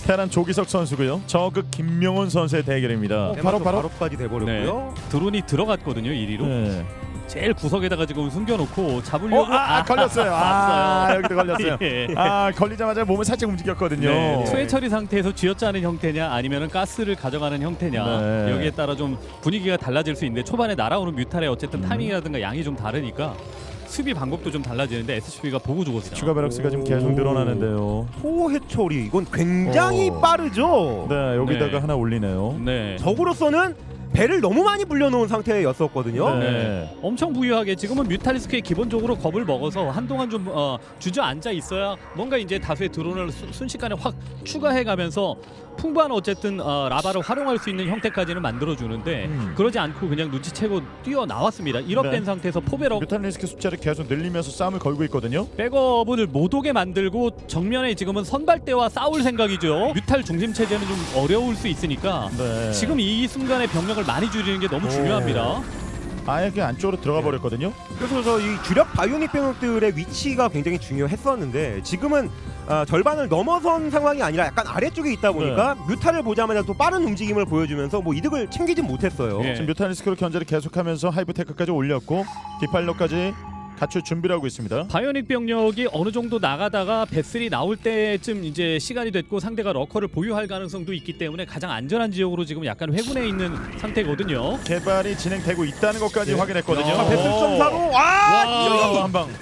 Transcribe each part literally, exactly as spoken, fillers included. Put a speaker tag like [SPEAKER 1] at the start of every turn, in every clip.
[SPEAKER 1] 테란 조기석 선수고요. 저그 김명훈 선수의 대결입니다.
[SPEAKER 2] 어, 바로 바로 바로까지 돼버렸고요.
[SPEAKER 3] 네. 드론이 들어갔거든요. 일 위로.
[SPEAKER 1] 네.
[SPEAKER 3] 제일 구석에다가 지금 숨겨놓고 잡으려고.
[SPEAKER 1] 어, 아, 아, 걸렸어요. 아, 여기도 걸렸어요.
[SPEAKER 3] 예.
[SPEAKER 1] 아, 걸리자마자 몸을 살짝 움직였거든요.
[SPEAKER 3] 네. 투회 처리 상태에서 쥐어짜는 형태냐 아니면은 가스를 가져가는 형태냐
[SPEAKER 1] 네.
[SPEAKER 3] 여기에 따라 좀 분위기가 달라질 수 있는데 초반에 날아오는 뮤탈의 어쨌든 타이밍이라든가 양이 좀 다르니까 수비 방법도 좀 달라지는데 에스씨비가 보고 죽었어요.
[SPEAKER 1] 추가 베럭스가 지금 계속 늘어나는데요.
[SPEAKER 2] 소해처리 이건 굉장히
[SPEAKER 1] 오.
[SPEAKER 2] 빠르죠.
[SPEAKER 1] 네, 여기다가
[SPEAKER 3] 네.
[SPEAKER 1] 하나 올리네요.
[SPEAKER 3] 네.
[SPEAKER 2] 적으로서는 배를 너무 많이 불려놓은 상태였었거든요.
[SPEAKER 1] 네.
[SPEAKER 3] 네. 엄청 부유하게 지금은 뮤탈리스크에 기본적으로 겁을 먹어서 한동안 좀 어, 주저앉아 있어야 뭔가 이제 다수의 드론을 수, 순식간에 확 추가해가면서 풍부한 어쨌든 어, 라바를 활용할 수 있는 형태까지는 만들어주는데
[SPEAKER 1] 음.
[SPEAKER 3] 그러지 않고 그냥 눈치채고 뛰어나왔습니다. 일업된
[SPEAKER 1] 네.
[SPEAKER 3] 상태에서 포베럭
[SPEAKER 1] 뮤탄 리스크 숫자를 계속 늘리면서 싸움을 걸고 있거든요.
[SPEAKER 3] 백업을 못 오게 만들고 정면에 지금은 선발대와 싸울 생각이죠. 뮤탈 중심 체제는 좀 어려울 수 있으니까
[SPEAKER 1] 네.
[SPEAKER 3] 지금 이 순간에 병력을 많이 줄이는 게 너무
[SPEAKER 1] 오.
[SPEAKER 3] 중요합니다.
[SPEAKER 1] 아예 그 안쪽으로 들어가 버렸거든요.
[SPEAKER 2] 그래서 저 이 주력 바이오닉 병력들의 위치가 굉장히 중요했었는데 지금은 아, 절반을 넘어선 상황이 아니라 약간 아래쪽에 있다 보니까
[SPEAKER 1] 네.
[SPEAKER 2] 뮤타를 보자마자 또 빠른 움직임을 보여주면서 뭐 이득을 챙기진 못했어요.
[SPEAKER 3] 예.
[SPEAKER 1] 지금 뮤탄 리스크로 견제를 계속하면서 하이브테크까지 올렸고 디팔러까지 갖출 준비를 하고 있습니다.
[SPEAKER 3] 바이오닉 병력이 어느 정도 나가다가 배슬이 나올 때쯤 이제 시간이 됐고 상대가 러커를 보유할 가능성도 있기 때문에 가장 안전한 지역으로 지금 약간 회군해 있는 상태거든요.
[SPEAKER 1] 개발이 진행되고 있다는 것까지
[SPEAKER 3] 네.
[SPEAKER 1] 확인했거든요.
[SPEAKER 3] 야,
[SPEAKER 2] 배슬 점사로 와!
[SPEAKER 3] 와.
[SPEAKER 1] 한 방.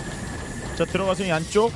[SPEAKER 1] 자 들어가서 이 안쪽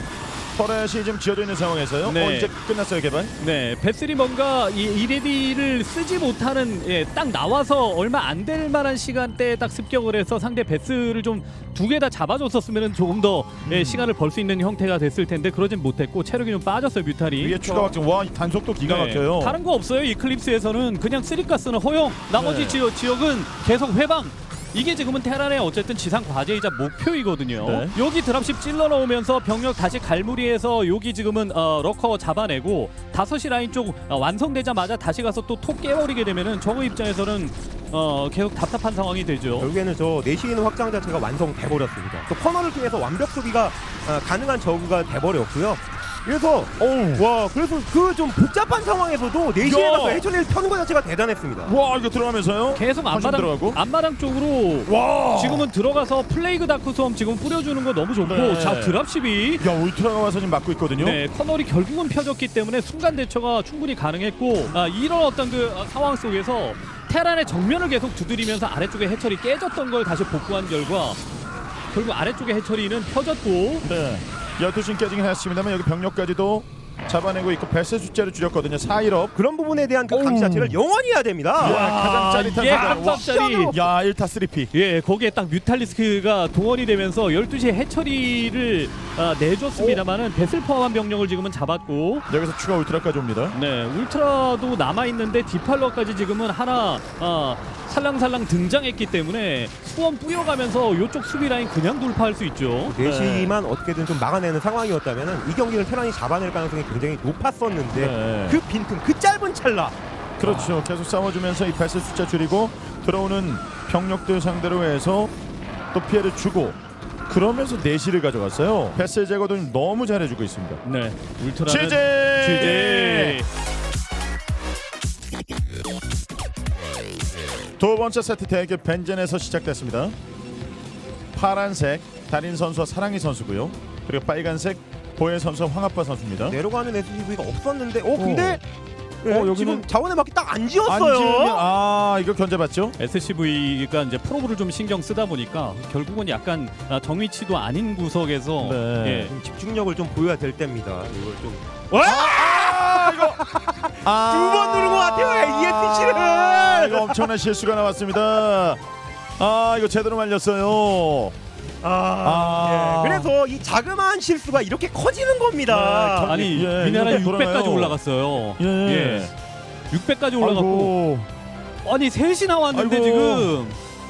[SPEAKER 1] 터렛이 지금 지어져 있는 상황에서요.
[SPEAKER 3] 네.
[SPEAKER 1] 어 이제 끝났어요 개발.
[SPEAKER 3] 네, 배슬이 뭔가 이 이레디를 쓰지 못하는 예, 딱 나와서 얼마 안 될 만한 시간대에 딱 습격을 해서 상대 배슬을 좀 두 개 다 잡아줬었으면 조금 더 예,
[SPEAKER 1] 음.
[SPEAKER 3] 시간을 벌 수 있는 형태가 됐을 텐데 그러진 못했고 체력이 좀 빠졌어요 뮤탈이.
[SPEAKER 1] 위에 추가 확장. 와이 단속도 기가
[SPEAKER 3] 네,
[SPEAKER 1] 막혀요.
[SPEAKER 3] 다른 거 없어요. 이클립스에서는 그냥 쓰리가스는 허용. 나머지
[SPEAKER 1] 네.
[SPEAKER 3] 지역, 지역은 계속 회방. 이게 지금은 테란의 어쨌든 지상 과제이자 목표이거든요.
[SPEAKER 1] 네.
[SPEAKER 3] 여기 드랍십 찔러 넣으면서 병력 다시 갈무리해서 여기 지금은 어, 러커 잡아내고 다섯 시 라인 쪽 어, 완성되자마자 다시 가서 또 톡 깨버리게 되면은 저거 입장에서는 어, 계속 답답한 상황이 되죠.
[SPEAKER 2] 결국에는 저 내시에 있는 확장 자체가 완성돼 버렸습니다. 또 커널을 통해서 완벽 수비가 아, 가능한 저그가 돼 버렸고요. 그래서
[SPEAKER 1] 어우.
[SPEAKER 2] 와 그래서 그 좀 복잡한 상황에서도 내시에
[SPEAKER 1] 야.
[SPEAKER 2] 가서 해처리를 펴는 것 자체가 대단했습니다.
[SPEAKER 1] 와 이거 들어가면서요.
[SPEAKER 3] 계속
[SPEAKER 1] 한심
[SPEAKER 3] 앞마당
[SPEAKER 1] 들어가고.
[SPEAKER 3] 앞마당 쪽으로
[SPEAKER 1] 와.
[SPEAKER 3] 지금은 들어가서 플레이그 다크 수험 지금 뿌려주는 거 너무 좋고
[SPEAKER 1] 네.
[SPEAKER 3] 자 드랍십이
[SPEAKER 1] 야 울트라가 와서 지금 막고 있거든요.
[SPEAKER 3] 네, 커널이 결국은 펴졌기 때문에 순간 대처가 충분히 가능했고 아, 이런 어떤 그 아, 상황 속에서 테란의 정면을 계속 두드리면서 아래쪽에 해처리 깨졌던 걸 다시 복구한 결과 결국 아래쪽에 해처리는 펴졌고
[SPEAKER 1] 네. 열두 시 깨지긴 했습니다만 여기 병력까지도 잡아내고 있고 배세 숫자를 줄였거든요. 사 일업.
[SPEAKER 2] 그런 부분에 대한 그 감시
[SPEAKER 1] 오우.
[SPEAKER 2] 자체를 영원히 해야 됩니다.
[SPEAKER 1] 야, 가장 짜릿한
[SPEAKER 3] 이게
[SPEAKER 1] 상황.
[SPEAKER 3] 깜짝짜리.
[SPEAKER 1] 야 일 타 쓰리 피.
[SPEAKER 3] 예, 거기에 딱 뮤탈리스크가 동원이 되면서 열두 시에 해처리를 아, 내줬습니다만은 배슬 포함한 병력을 지금은 잡았고
[SPEAKER 1] 여기서 추가 울트라까지 옵니다.
[SPEAKER 3] 네, 울트라도 남아있는데 디팔러까지 지금은 하나 아, 살랑살랑 등장했기 때문에 수원 뿌려가면서 이쪽 수비 라인 그냥 돌파할 수 있죠.
[SPEAKER 2] 내시만 어떻게든 좀 막아내는 상황이었다면 이 경기를 테란이 잡아낼 가능성이 굉장히 높았었는데
[SPEAKER 1] 네.
[SPEAKER 2] 그 빈틈, 그 짧은 찰나
[SPEAKER 1] 그렇죠. 계속 싸워주면서 이 배세 숫자 줄이고 들어오는 병력들 상대로 해서 또 피해를 주고 그러면서 내시를 가져갔어요. 배세 제거도 너무 잘해주고 있습니다.
[SPEAKER 3] 네, 울트라는
[SPEAKER 1] 지제.
[SPEAKER 3] 지제.
[SPEAKER 1] 두 번째 세트 대결 벤젠에서 시작됐습니다. 파란색 달인 선수와 사랑이 선수고요. 그리고 빨간색 보혜 선수와 황아빠 선수입니다.
[SPEAKER 2] 내려가는 에스유브이가 없었는데 어 근데 네,
[SPEAKER 1] 어, 여기는
[SPEAKER 2] 지금 자원에 맞게 딱 안
[SPEAKER 1] 안
[SPEAKER 2] 지었어요.
[SPEAKER 1] 지으면 아 이거 견제받죠?
[SPEAKER 3] 에스씨브이가 이제 프로브를 좀 신경 쓰다 보니까 결국은 약간 아, 정위치도 아닌 구석에서
[SPEAKER 1] 네.
[SPEAKER 3] 예,
[SPEAKER 2] 좀 집중력을 좀 보여야 될 때입니다. 이걸 좀
[SPEAKER 1] 아 이거 아,
[SPEAKER 2] 두 번 누른 것 같아요. 이에스씨를.
[SPEAKER 1] 아, 이거 엄청난 실수가 나왔습니다. 아 이거 제대로 말렸어요.
[SPEAKER 2] 아,
[SPEAKER 1] 아.
[SPEAKER 2] 예. 그래서 이 자그마한 실수가 이렇게 커지는 겁니다.
[SPEAKER 1] 네,
[SPEAKER 3] 아니
[SPEAKER 1] 예,
[SPEAKER 3] 미네랄
[SPEAKER 1] 이거
[SPEAKER 3] 육백까지
[SPEAKER 1] 돌아가요.
[SPEAKER 3] 올라갔어요.
[SPEAKER 1] 예.
[SPEAKER 3] 예. 육백까지 올라갔고
[SPEAKER 1] 아이고.
[SPEAKER 3] 아니 셋이 나왔는데
[SPEAKER 1] 아이고.
[SPEAKER 3] 지금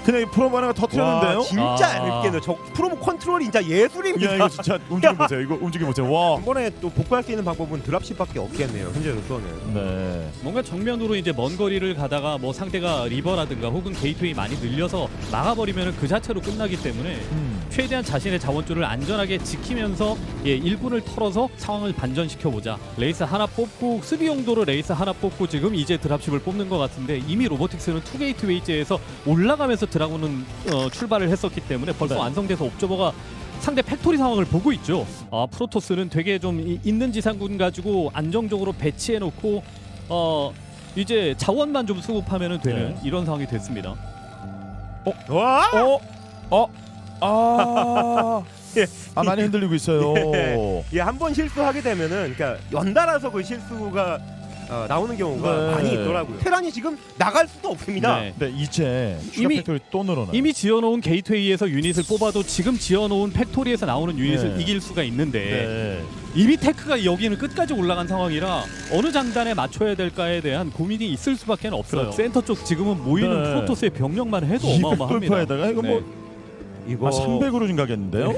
[SPEAKER 1] 그냥 이 프로모 하나가 터트렸는데요.
[SPEAKER 2] 와, 진짜
[SPEAKER 3] 아.
[SPEAKER 2] 얇게는 저 프로모 컨트롤이 진짜 예술입니다.
[SPEAKER 1] 야 이거 진짜 움직임 보세요. 이거 움직임 보세요. 와.
[SPEAKER 2] 한 번에 또 복구할 수 있는 방법은 드랍십밖에 없겠네요. 현재로서는.
[SPEAKER 1] 네.
[SPEAKER 3] 뭔가 정면으로 이제 먼 거리를 가다가 뭐 상대가 리버라든가 혹은 게이트웨이 많이 늘려서 막아버리면 그 자체로 끝나기 때문에
[SPEAKER 1] 음.
[SPEAKER 3] 최대한 자신의 자원줄을 안전하게 지키면서 예, 일 분을 털어서 상황을 반전시켜 보자. 레이스 하나 뽑고 수비 용도로 레이스 하나 뽑고 지금 이제 드랍십을 뽑는 것 같은데 이미 로보틱스는 투 게이트웨이제에서 올라가면서 드라군은 어, 출발을 했었기 때문에 벌써
[SPEAKER 1] 네.
[SPEAKER 3] 완성돼서 옵저버가 상대 팩토리 상황을 보고 있죠. 아, 프로토스는 되게 좀 이, 있는 지상군 가지고 안정적으로 배치해 놓고 어 이제 자원만 좀 수급하면 되는
[SPEAKER 1] 네.
[SPEAKER 3] 이런 상황이 됐습니다.
[SPEAKER 2] 와!
[SPEAKER 1] 어? 어? 아.
[SPEAKER 2] 예.
[SPEAKER 1] 아 많이 흔들리고 있어요.
[SPEAKER 2] 예, 한 번 실수하게 되면은 그러니까 연달아서 그 실수가 어, 나오는 경우가
[SPEAKER 1] 네.
[SPEAKER 2] 많이 있더라고요. 테란이 지금 나갈 수도 없습니다.
[SPEAKER 3] 네.
[SPEAKER 1] 네, 이제 추가
[SPEAKER 3] 이미-
[SPEAKER 1] 팩토리 또 늘어나.
[SPEAKER 3] 이미 지어놓은 게이트웨이에서 유닛을 뽑아도 지금 지어놓은 팩토리에서 나오는 유닛을
[SPEAKER 1] 네.
[SPEAKER 3] 이길 수가 있는데
[SPEAKER 1] 네.
[SPEAKER 3] 이미 테크가 여기는 끝까지 올라간 상황이라 어느 장단에 맞춰야 될까에 대한 고민이 있을 수밖에 없어요.
[SPEAKER 1] 그렇죠.
[SPEAKER 3] 센터 쪽 지금은 모이는
[SPEAKER 1] 네.
[SPEAKER 3] 프로토스의 병력만 해도
[SPEAKER 1] 이백
[SPEAKER 3] 어마어마합니다.
[SPEAKER 1] 돌파에다가 이거 뭐
[SPEAKER 2] 이거
[SPEAKER 1] 아, 삼백으로 좀 가겠는데요?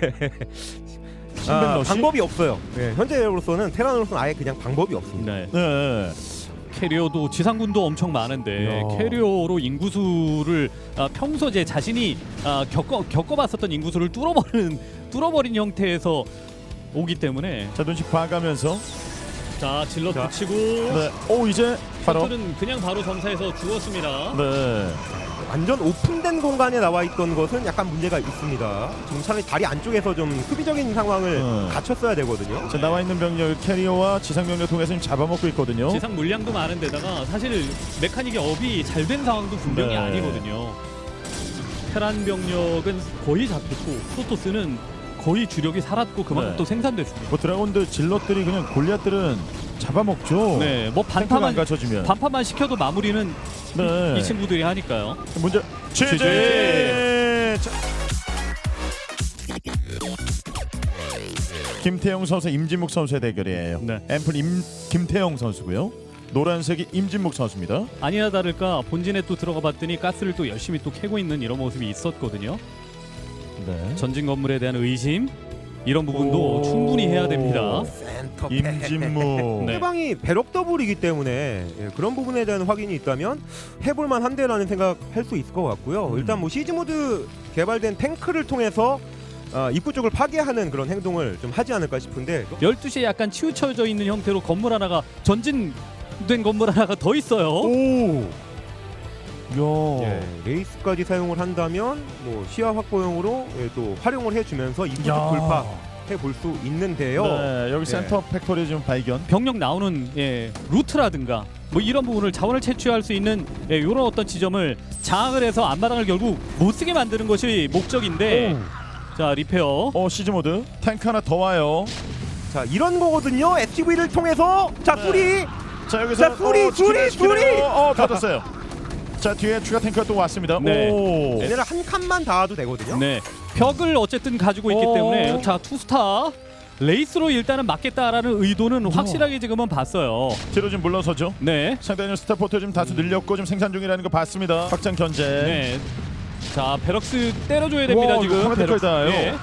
[SPEAKER 1] 삼백
[SPEAKER 2] 아,
[SPEAKER 1] 러시?
[SPEAKER 2] 방법이 없어요. 네, 현재로서는 테란으로서는 아예 그냥 방법이 없습니다.
[SPEAKER 3] 네.
[SPEAKER 1] 네.
[SPEAKER 3] 캐리어도 지상군도 엄청 많은데
[SPEAKER 1] 야.
[SPEAKER 3] 캐리어로 인구수를 아, 평소 제 자신이 아, 겪어 겪어봤었던 인구수를 뚫어버리는 뚫어버린 형태에서 오기 때문에
[SPEAKER 1] 자 눈치 봐가면서
[SPEAKER 3] 자 질러
[SPEAKER 2] 자.
[SPEAKER 3] 붙이고
[SPEAKER 1] 네. 오 이제 바로
[SPEAKER 3] 셔틀은 그냥 바로 점사해서 죽었습니다.
[SPEAKER 1] 네.
[SPEAKER 2] 완전 오픈된 공간에 나와 있던 것은 약간 문제가 있습니다. 지금 차라리 다리 안쪽에서 좀 수비적인 상황을
[SPEAKER 1] 음.
[SPEAKER 2] 갖췄어야 되거든요.
[SPEAKER 1] 자 나와 있는 병력 캐리어와 지상 병력 통해서 지금 잡아먹고 있거든요.
[SPEAKER 3] 지상 물량도 많은데다가 사실 메카닉의 업이 잘 된 상황도 분명히
[SPEAKER 1] 네.
[SPEAKER 3] 아니거든요. 테란 병력은 거의 잡혔고 프로토스는 거의 주력이 살았고 그만큼
[SPEAKER 1] 네.
[SPEAKER 3] 또 생산됐습니다.
[SPEAKER 1] 뭐 드라곤들 질럿들이 그냥 골리앗들은 잡아먹죠.
[SPEAKER 3] 네, 뭐
[SPEAKER 1] 탱크가 안
[SPEAKER 3] 반파만
[SPEAKER 1] 갖춰지면.
[SPEAKER 3] 반파만 시켜도 마무리는
[SPEAKER 1] 네.
[SPEAKER 3] 이 친구들이 하니까요.
[SPEAKER 1] 문제
[SPEAKER 3] 취재.
[SPEAKER 1] 취재. 자. 김태형 선수, 임진묵 선수의 대결이에요.
[SPEAKER 3] 네.
[SPEAKER 1] 앰플 임 김태형 선수고요. 노란색이 임진묵 선수입니다.
[SPEAKER 3] 아니나 다를까 본진에 또 들어가 봤더니 가스를 또 열심히 또 캐고 있는 이런 모습이 있었거든요.
[SPEAKER 1] 네.
[SPEAKER 3] 전진 건물에 대한 의심 이런 부분도
[SPEAKER 1] 오.
[SPEAKER 3] 충분히 해야 됩니다.
[SPEAKER 2] 센터
[SPEAKER 1] 임진묵.
[SPEAKER 3] 네.
[SPEAKER 2] 상대방이 배럭 더블이기 때문에 예, 그런 부분에 대한 확인이 있다면 해볼만 한데라는 생각할 수 있을 것 같고요.
[SPEAKER 1] 음.
[SPEAKER 2] 일단 뭐 시즈 모드 개발된 탱크를 통해서 어, 입구 쪽을 파괴하는 그런 행동을 좀 하지 않을까 싶은데
[SPEAKER 3] 열두 시에 약간 치우쳐져 있는 형태로 건물 하나가 전진된 건물 하나가 더 있어요.
[SPEAKER 1] 오. 야.
[SPEAKER 2] 예, 레이스까지 사용을 한다면 뭐 시야 확보용으로 예, 또 활용을 해주면서 입구 쪽
[SPEAKER 1] 야.
[SPEAKER 2] 돌파해 볼 수 있는데요.
[SPEAKER 1] 네, 여기
[SPEAKER 2] 예.
[SPEAKER 1] 센터 팩토리 좀 발견.
[SPEAKER 3] 병력 나오는 예, 루트라든가 뭐 이런 부분을 자원을 채취할 수 있는 예, 이런 어떤 지점을 장악을 해서 앞마당을 결국 못 쓰게 만드는 것이 목적인데 자 리페어
[SPEAKER 1] 어 시즈 모드 탱크 하나 더 와요.
[SPEAKER 2] 자 이런 거거든요. 에스티브이를 통해서 자
[SPEAKER 1] 네.
[SPEAKER 2] 수리
[SPEAKER 1] 자 여기서
[SPEAKER 2] 자, 수리, 수리, 수리!
[SPEAKER 1] 어 터졌어요. 자 뒤에 추가 탱크가 또 왔습니다.
[SPEAKER 3] 네.
[SPEAKER 1] 오.
[SPEAKER 2] 얘네를 한 칸만 닿아도 되거든요.
[SPEAKER 3] 네 벽을 어쨌든 가지고 있기
[SPEAKER 1] 어.
[SPEAKER 3] 때문에 자 투스타 레이스로 일단은 막겠다라는 의도는 확실하게 지금은 봤어요.
[SPEAKER 1] 뒤로 좀 물러서죠.
[SPEAKER 3] 네.
[SPEAKER 1] 상대는 스타포트 좀 다수 늘렸고 좀 생산 중이라는 거 봤습니다. 확장 견제.
[SPEAKER 3] 네. 자 베럭스 때려줘야 됩니다
[SPEAKER 1] 와,
[SPEAKER 3] 지금.
[SPEAKER 1] 이거 카메라
[SPEAKER 3] 베럭스.
[SPEAKER 1] 거의 다예요.
[SPEAKER 3] 네.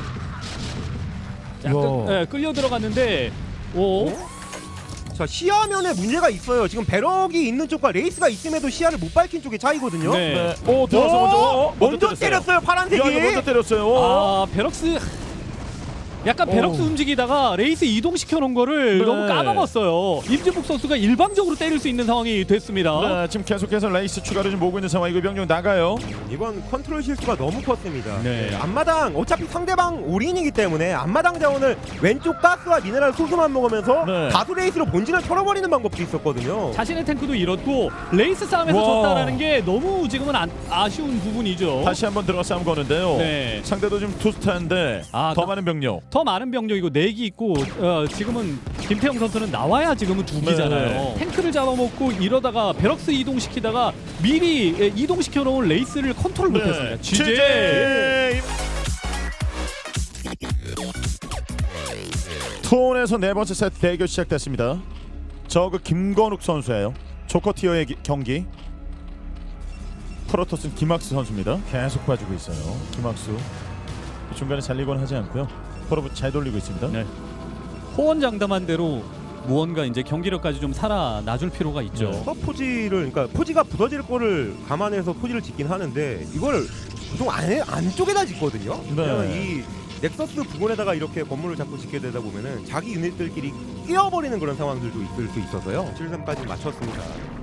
[SPEAKER 3] 자,
[SPEAKER 1] 와.
[SPEAKER 3] 끌, 네, 끌려 들어갔는데 오.
[SPEAKER 2] 자 시야면에 문제가 있어요. 지금 배럭이 있는 쪽과 레이스가 있음에도 시야를 못 밝힌 쪽의 차이거든요.
[SPEAKER 3] 네.
[SPEAKER 1] 네. 오 들어서 먼저. 어,
[SPEAKER 2] 먼저
[SPEAKER 1] 때렸어요.
[SPEAKER 2] 때렸어요.
[SPEAKER 1] 야,
[SPEAKER 2] 파란색이.
[SPEAKER 1] 이거 먼저 때렸어요.
[SPEAKER 3] 아 베럭스 약간 베럭스
[SPEAKER 1] 오.
[SPEAKER 3] 움직이다가 레이스 이동시켜 놓은 거를
[SPEAKER 1] 네.
[SPEAKER 3] 너무 까먹었어요. 임진묵 선수가 일방적으로 때릴 수 있는 상황이 됐습니다.
[SPEAKER 1] 네, 지금 계속해서 레이스 추가를 좀 모으고 있는 상황. 이거 병력 나가요.
[SPEAKER 2] 이번 컨트롤 실수가 너무 컸습니다.
[SPEAKER 3] 네.
[SPEAKER 2] 네, 앞마당 어차피 상대방 올인이기 때문에 앞마당 자원을 왼쪽 가스와 미네랄 소수만 먹으면서
[SPEAKER 1] 네.
[SPEAKER 2] 다수 레이스로 본진을 털어버리는 방법도 있었거든요.
[SPEAKER 3] 자신의 탱크도 잃었고 레이스 싸움에서
[SPEAKER 1] 와.
[SPEAKER 3] 졌다라는 게 너무 지금은 안, 아쉬운 부분이죠.
[SPEAKER 1] 다시 한번 들어가 싸움 거는데요.
[SPEAKER 3] 네.
[SPEAKER 1] 상대도 지금 투스타인데
[SPEAKER 3] 아,
[SPEAKER 1] 더
[SPEAKER 3] 나-
[SPEAKER 1] 많은 병력.
[SPEAKER 3] 더 많은 병력이고 내기 있고 어, 지금은 김태형 선수는 나와야 지금은 두 기잖아요.
[SPEAKER 1] 네.
[SPEAKER 3] 탱크를 잡아먹고 이러다가 베럭스 이동시키다가 미리 예, 이동시켜 놓은 레이스를 컨트롤 못했습니다. 지제.
[SPEAKER 1] 취재. 투혼에서 네 번째 세트 대결 시작됐습니다. 저그 김건욱 선수예요. 조커 티어의 기- 경기. 프로토스는 김학수 선수입니다. 계속 봐주고 있어요. 김학수 중간에 잘리곤 하지 않고요. 프로브 잘 돌리고 있습니다.
[SPEAKER 3] 네. 호언장담한 대로 무언가 이제 경기력까지 좀 살아나줄 필요가 있죠.
[SPEAKER 1] 네.
[SPEAKER 2] 스톱 포지를 그러니까 포지가 부서질 거를 감안해서 포지를 짓긴 하는데 이걸 보통 안에 안쪽에다 짓거든요.
[SPEAKER 1] 네.
[SPEAKER 2] 왜냐면 이 넥서스 부근에다가 이렇게 건물을 자꾸 짓게 되다 보면은 자기 유닛들끼리 끼어버리는 그런 상황들도 있을 수 있어서요. 칠 삼까지 맞췄습니다.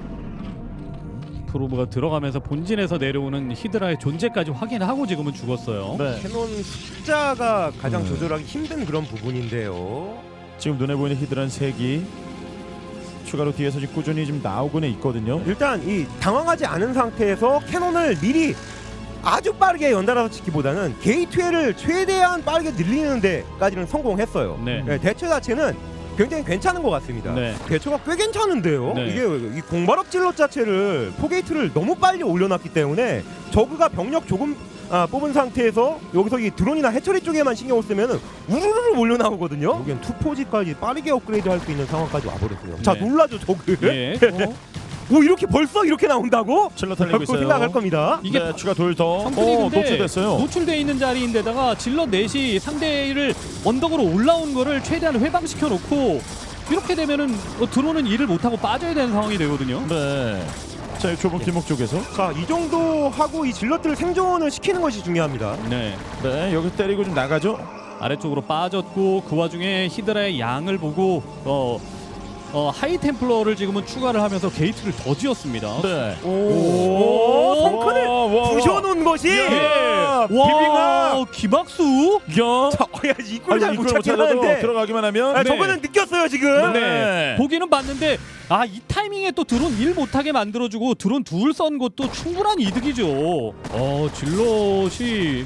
[SPEAKER 3] 프로브가 들어가면서 본진에서 내려오는 히드라의 존재까지 확인하고 지금은 죽었어요.
[SPEAKER 1] 네.
[SPEAKER 2] 캐논 숫자가 가장
[SPEAKER 1] 네.
[SPEAKER 2] 조절하기 힘든 그런 부분인데요.
[SPEAKER 1] 지금 눈에 보이는 히드란 색이 추가로 뒤에서 지금 꾸준히 지금 나오고는 있거든요.
[SPEAKER 2] 일단 이 당황하지 않은 상태에서 캐논을 미리 아주 빠르게 연달아서 짓기보다는 게이트웨이를 최대한 빠르게 늘리는 데까지는 성공했어요.
[SPEAKER 3] 네.
[SPEAKER 2] 네, 대처 자체는 굉장히 괜찮은 것 같습니다.
[SPEAKER 3] 네.
[SPEAKER 2] 대처가 꽤 괜찮은데요.
[SPEAKER 3] 네.
[SPEAKER 2] 이게 이 공발업 질럿 자체를 포게이트를 너무 빨리 올려놨기 때문에 저그가 병력 조금 아, 뽑은 상태에서 여기서 이 드론이나 해처리 쪽에만 신경을 쓰면은 우르르 올려나오거든요. 여기는 투포지까지 빠르게 업그레이드 할 수 있는 상황까지 와버렸어요. 자
[SPEAKER 3] 네.
[SPEAKER 2] 놀라죠 저그.
[SPEAKER 3] 예. 어?
[SPEAKER 2] 오 이렇게 벌써 이렇게 나온다고?
[SPEAKER 1] 칠러 달리고
[SPEAKER 2] 라고
[SPEAKER 1] 있어요.
[SPEAKER 2] 생각할 겁니다.
[SPEAKER 3] 이게
[SPEAKER 1] 네, 추가 돌 더.
[SPEAKER 3] 성분이
[SPEAKER 1] 어,
[SPEAKER 3] 근데
[SPEAKER 1] 노출됐어요.
[SPEAKER 3] 노출돼 있는 자리인데다가 질럿 넷이 상대를 언덕으로 올라온 거를 최대한 회방시켜 놓고 이렇게 되면은 어, 드론은 일을 못하고 빠져야 되는 상황이 되거든요.
[SPEAKER 1] 네. 자, 이 좁은 길목 쪽에서.
[SPEAKER 2] 자 이 정도 하고 이 질럿들 생존을 시키는 것이 중요합니다.
[SPEAKER 3] 네.
[SPEAKER 1] 네, 여기 때리고 좀 나가죠.
[SPEAKER 3] 아래쪽으로 빠졌고 그 와중에 히드라의 양을 보고 어, 어 하이 템플러를 지금은 추가를 하면서 게이트를 더 지었습니다.
[SPEAKER 1] 네.
[SPEAKER 2] 오, 성큰을
[SPEAKER 1] 와, 와, 와.
[SPEAKER 2] 부셔놓은 것이.
[SPEAKER 1] 야, 비비가.
[SPEAKER 3] 와, 김학수.
[SPEAKER 1] 야.
[SPEAKER 2] 자, 어, 야, 이걸 잘
[SPEAKER 1] 아니,
[SPEAKER 2] 못
[SPEAKER 1] 이걸 못
[SPEAKER 2] 찾긴
[SPEAKER 1] 찾아도
[SPEAKER 2] 하는데.
[SPEAKER 1] 들어가기만 하면.
[SPEAKER 2] 아,
[SPEAKER 3] 네.
[SPEAKER 2] 저거는 느꼈어요 지금.
[SPEAKER 1] 네.
[SPEAKER 3] 네. 보기는 봤는데 아, 이 타이밍에 또 드론 일 못하게 만들어주고 드론 둘 썬 것도 충분한 이득이죠. 어, 질럿이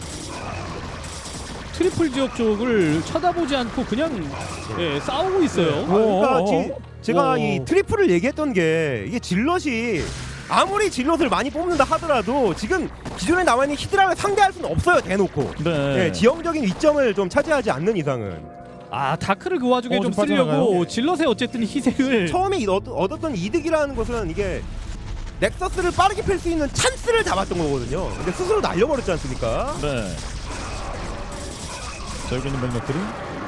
[SPEAKER 3] 트리플 지역 쪽을 쳐다보지 않고 그냥 예, 싸우고 있어요.
[SPEAKER 2] 아, 그러니까
[SPEAKER 1] 오,
[SPEAKER 2] 지,
[SPEAKER 1] 오,
[SPEAKER 2] 제가
[SPEAKER 1] 오.
[SPEAKER 2] 이 트리플을 얘기했던 게 이게 질럿이 아무리 질럿을 많이 뽑는다 하더라도 지금 기존에 나와 있는 히드라를 상대할 수는 없어요 대놓고.
[SPEAKER 1] 네.
[SPEAKER 2] 네, 지형적인 이점을 좀 차지하지 않는 이상은.
[SPEAKER 3] 아, 다크를 그 와중에
[SPEAKER 1] 어,
[SPEAKER 3] 좀
[SPEAKER 1] 좀 빠져나가요.
[SPEAKER 3] 쓰려고 질럿의 어쨌든 희생을
[SPEAKER 2] 처음에 이 얻, 얻었던 이득이라는 것은 이게 넥서스를 빠르게 펼 수 있는 찬스를 잡았던 거거든요. 근데 스스로 날려버렸지 않습니까?
[SPEAKER 1] 네. 자, 여기 있는 멜맥들이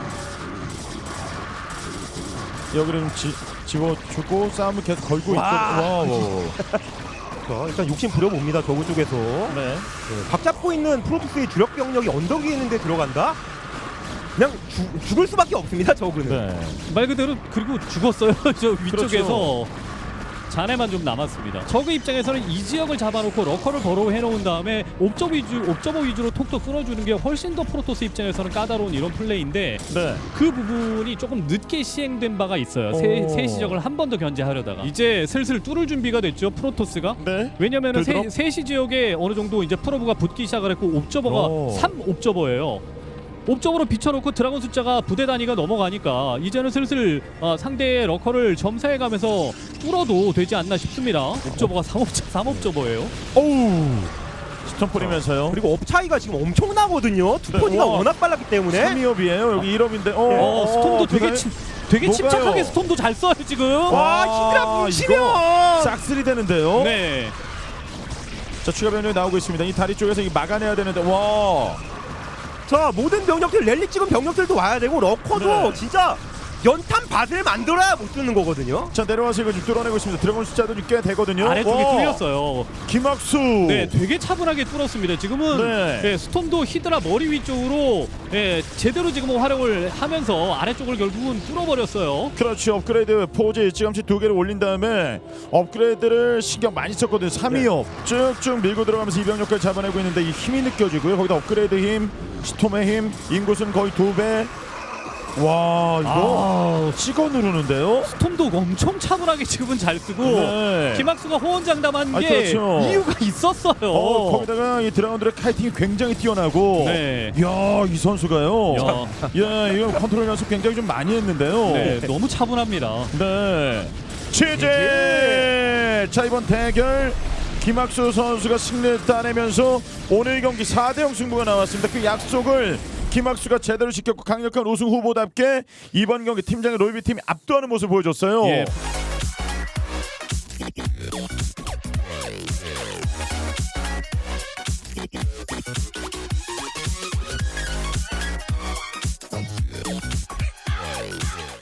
[SPEAKER 1] 여기를 좀 지, 집어주고 싸움을 계속 걸고 있고.
[SPEAKER 2] 와.
[SPEAKER 1] 와, 와, 와.
[SPEAKER 2] 자, 일단 욕심 부려봅니다. 저구 쪽에서.
[SPEAKER 1] 네.
[SPEAKER 2] 네, 밥 잡고 있는 프로토스의 주력 병력이 언덕 위에 있는데 들어간다? 그냥 주, 죽을 수밖에 없습니다. 저구는.
[SPEAKER 1] 네.
[SPEAKER 3] 말 그대로 그리고 죽었어요. 저 위쪽에서
[SPEAKER 1] 그렇죠.
[SPEAKER 3] 잔해만 좀 남았습니다. 저그 입장에서는 이 지역을 잡아놓고 러커를 버로우 해놓은 다음에 옵저버 위주, 옵저버 위주로 톡톡 끊어주는 게 훨씬 더 프로토스 입장에서는 까다로운 이런 플레이인데
[SPEAKER 1] 네.
[SPEAKER 3] 그 부분이 조금 늦게 시행된 바가 있어요. 세,
[SPEAKER 1] 오.
[SPEAKER 3] 세 시적을 한 번 더 견제하려다가 이제 슬슬 뚫을 준비가 됐죠. 프로토스가.
[SPEAKER 1] 네.
[SPEAKER 3] 왜냐면은 세,
[SPEAKER 1] 들들어?
[SPEAKER 3] 세시 지역에 어느 정도 이제 프로브가 붙기 시작을 했고 옵저버가
[SPEAKER 1] 오.
[SPEAKER 3] 삼 옵저버예요. 옵저버로 비춰놓고 드라곤 숫자가 부대 단위가 넘어가니까 이제는 슬슬 어, 상대의 러커를 점사해가면서 뚫어도 되지 않나 싶습니다. 옵저버가 삼 옵저, 삼 옵저버예요.
[SPEAKER 1] 어우. 스톰 뿌리면서요.
[SPEAKER 2] 그리고 업 차이가 지금 엄청나거든요. 투포지가
[SPEAKER 1] 네, 우와.
[SPEAKER 2] 워낙 빨랐기 때문에.
[SPEAKER 1] 삼 위업이에요. 여기 일 업인데. 어,
[SPEAKER 3] 어, 스톰도 되게
[SPEAKER 1] 대단해.
[SPEAKER 3] 침, 되게
[SPEAKER 1] 뭐가요?
[SPEAKER 3] 침착하게 스톰도 잘 써요 지금.
[SPEAKER 2] 와, 히드라
[SPEAKER 1] 아,
[SPEAKER 2] 뭉치면.
[SPEAKER 1] 이거 싹쓸이 되는데요.
[SPEAKER 3] 네.
[SPEAKER 1] 자, 추가 변경이 나오고 있습니다. 이 다리 쪽에서 이 막아내야 되는데. 와.
[SPEAKER 2] 자, 모든 병력들 랠리 찍은 병력들도 와야 되고 러커도
[SPEAKER 1] 네.
[SPEAKER 2] 진짜 연탄 밭을 만들어야 못 쓰는 거거든요.
[SPEAKER 1] 자, 내려와서 이거 좀 뚫어내고 있습니다. 드래곤 숫자도 좀 꽤 되거든요.
[SPEAKER 3] 아래쪽에
[SPEAKER 1] 와.
[SPEAKER 3] 뚫렸어요.
[SPEAKER 1] 김학수.
[SPEAKER 3] 네, 되게 차분하게 뚫었습니다. 지금은
[SPEAKER 1] 네.
[SPEAKER 3] 예, 스톰도 히드라 머리 위쪽으로 예, 제대로 지금 활용을 하면서 아래쪽을 결국은 뚫어버렸어요.
[SPEAKER 1] 그렇지. 업그레이드 포즈 일찌감치 두 개를 올린 다음에 업그레이드를 신경 많이 썼거든요. 삼 위업 쭉쭉 밀고 들어가면서 이병력까지 잡아내고 있는데 이 힘이 느껴지고요. 거기다 업그레이드 힘, 스톰의 힘, 인구수는 거의 두 배. 와, 이거 찍어 누르는데요.
[SPEAKER 3] 스톰도 엄청 차분하게 지금은 잘 쓰고
[SPEAKER 1] 네.
[SPEAKER 3] 김학수가 호언장담한
[SPEAKER 1] 아,
[SPEAKER 3] 게
[SPEAKER 1] 그렇죠.
[SPEAKER 3] 이유가 있었어요.
[SPEAKER 1] 어, 거기다가 이 드라곤들의 카이팅이 굉장히 뛰어나고.
[SPEAKER 3] 네.
[SPEAKER 1] 이야, 이 선수가요.
[SPEAKER 3] 야.
[SPEAKER 1] 야, 이거 컨트롤 연습 굉장히 좀 많이 했는데요.
[SPEAKER 3] 네, 너무 차분합니다.
[SPEAKER 1] 네. 취재. 자, 이번 대결 김학수 선수가 승리를 따내면서 오늘 경기 사 대 영 승부가 나왔습니다. 그 약속을 김학수가 제대로 지켰고 강력한 우승 후보답게 이번 경기 팀장의 롤비 팀이 압도하는 모습을 보여줬어요.
[SPEAKER 3] 예.